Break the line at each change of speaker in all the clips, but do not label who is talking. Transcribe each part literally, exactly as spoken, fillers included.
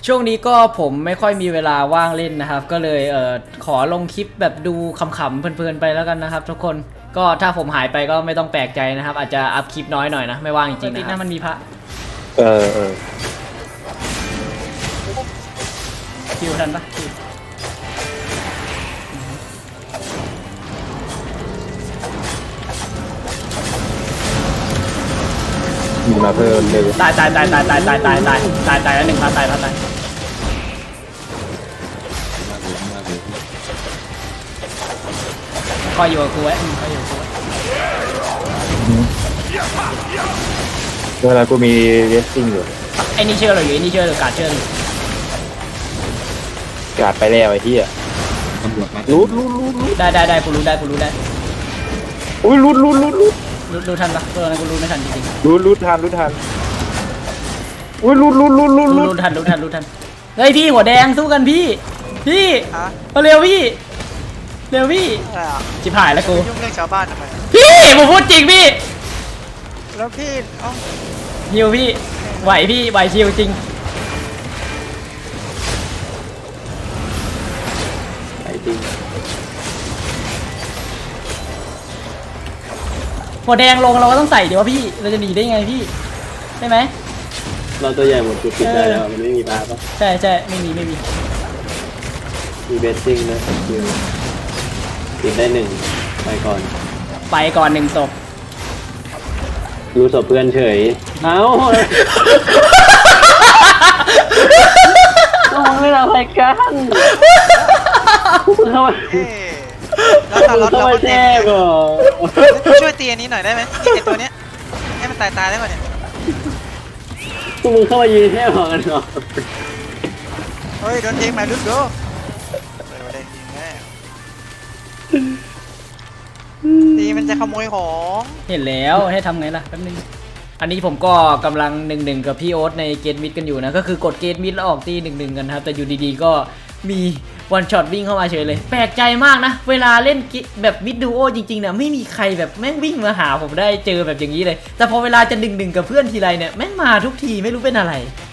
ช่วงนี้ก็ผมไม่ค่อยมีเวลาว่างเล่นนะครับก็เลยเอ่อขอลงคลิปแบบดูขำๆเพลินๆไปแล้วกันนะครับทุกคนก็ถ้าผมหายไปก็ไม่ต้องแปลกใจนะครับอาจจะอัพคลิปน้อยหน่อยนะไม่ว่างจริงๆนะครับมันมีพระ
เออเออ
คิวทันปะคิว
มีมาเพิ่มเลย
ตายตายตายตายตายตายตายตายตายตายแล้วหนึ่งพระตายพระตายคอยอยู่กับกูไว้คอยอยู่กับกูไว้
เวลากูมีเรสซิ่งอยู่
ไอ้นี่เชื่อเราอยู่ไอ้นี่เชื่อเราการเชื่ออยู่
กาดไปแล้วไอ้ที่อ่ะรูดรูดรูดรูด
ได้ได้ได้กูรู้ได้กูรู้ได้
อุ้ยรูดรูดรูดรูด
รู้รู้ทันปะเออกูรู้ไม่ทันจริง
ๆรูดรูดทันรูดทันอุ้ยรูดรูดรูดรูดรูด
รู้ทันรู้ทันรู้ทันเฮ้ยพี่หัวแดงสู้กันพี่พี่มาเร็วพี่เร็วพี่จิบหายแล้วกู
ยุ่งเรื่องชาวบ้านทำไม
พี่ผมพูดจริงพี่
แล้วพี่เอ้า
ฮิวพี่ไหวพี่ไหวชิวจริง
ไอ้จริง
หัวแดงลงเราก็ต้องใส่เดี๋ยวพี่เราจะหนีได้ไงพี่ใช่ไหม
เราตัวใหญ่หมดจุดติดได้แล้วมันไม่มีปลาปะ
ใช่ใช่ไม่มีไม่มี
มีเบสซิ่งนะคิวติดได้หนึ่งไปก่อน
ไปก่อนหนึ่งศพ
รู้ศพเพื่อนเฉยเอ้าต้องไม่เราไปกันเข้ามา
แล้วตอนรถเราก็แจ้
ก่อน
ช่วยตีอันนี้หน่อยได้ไหมไอตัวเนี้ยให้มันตายตายได้ป่ะเนี่ย
พวกมึงเข้ามายืนแค่หอกันเหรอ
เฮ้ยโดนยิงมาลุกดูตีมันจะขโมยของ
เห็นแล้วให้ทำไงล่ะแป๊บนึงอันนี้ผมก็กำลังหนึ่งหนึ่งกับพี่โอ๊ตในเกตมิดกันอยู่นะก็คือกดเกตมิดแล้วออกตีหนึ่งหนึ่งกันครับแต่อยู่ดีๆก็มีวันช็อตวิ่งเข้ามาเฉยเลยแปลกใจมากนะเวลาเล่นแบบมิดดูโอจริงๆเนี่ยไม่มีใครแบบแม่งวิ่งมาหาผมได้เจอแบบอย่างนี้เลยแต่พอเวลาจะหนึ่งหนึ่งกับเพื่อนทีไรเนี่ยแม่งมาทุกทีไม่รู้เป็นอะไร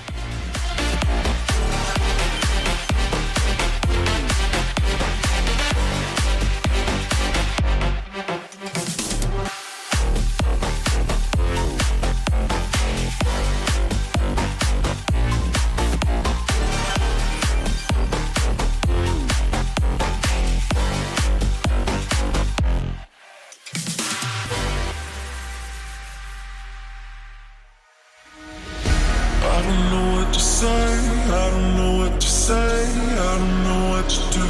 I don't know what to say, I don't know what to say, I don't know what to do.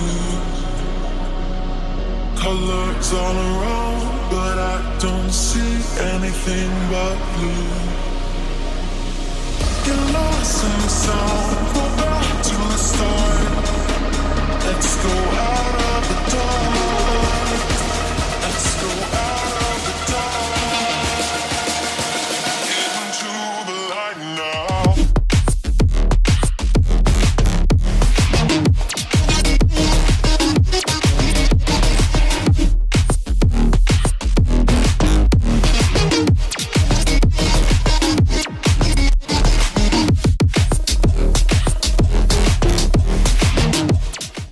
Colors all around, but I don't see anything but blue. Get lost in the sound, go back to the start. Let's go out.